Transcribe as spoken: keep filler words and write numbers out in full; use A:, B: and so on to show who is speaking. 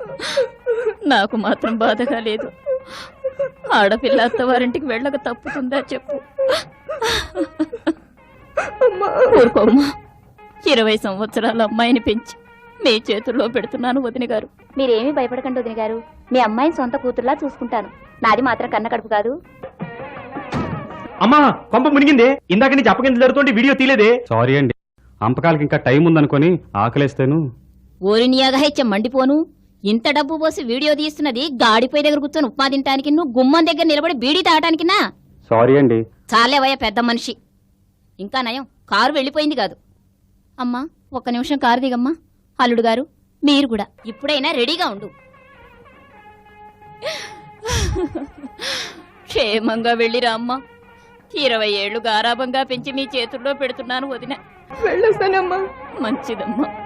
A: నాకు మాత్రం బాధగా లేదు. ఆడపిల్ల అత్తవారింటికి వెళ్ళక తప్పుతుందా చెప్పు. ఊరుకోమ్మా, ఇరవై సంవత్సరాల అమ్మాయిని పెంచి మీ చేతుల్లో పెడుతున్నాను వదిన గారు.
B: మీరేమీ భయపడకండి వదిన గారు, మీ అమ్మాయిని సొంత కూతురులా చూసుకుంటాను. నాది మాత్రం కన్న కడుపు కాదు.
C: అమ్మా కొంప మునిగింది. ఇందాక నీ చెప్పకింద జరుగుతుంటే వీడియో తీలేదే.
D: సారీ అండి, అంపకాలకి ఇంకా టైం ఉందనుకొని ఆకలేస్తాను.
A: ఓరినియాగా హెచ్చ మండిపోను. ఇంత డబ్బు పోసి వీడియో తీస్తున్నది గాడిపోయి దగ్గర కూర్చొని ఉప్మా తింటానికి, నువ్వు గుమ్మం దగ్గర నిలబడి బీడీ తాగటానికినా?
D: సారీ అండి.
A: చాలేవయ్యా పెద్ద మనిషి. ఇంకా నయం కారు వెళ్ళిపోయింది కాదు. అమ్మా ఒక్క నిమిషం కారు దిగమ్మా. అల్లుడు గారు మీరు కూడా ఇప్పుడైనా రెడీగా ఉండు. క్షేమంగా వెళ్ళిరా అమ్మా. ఇరవై ఏళ్లు గారాబంగా పెంచి మీ చేతుల్లో పెడుతున్నాను వదిన.
E: వెళ్ళొస్తానమ్మా.
A: మంచిదమ్మా.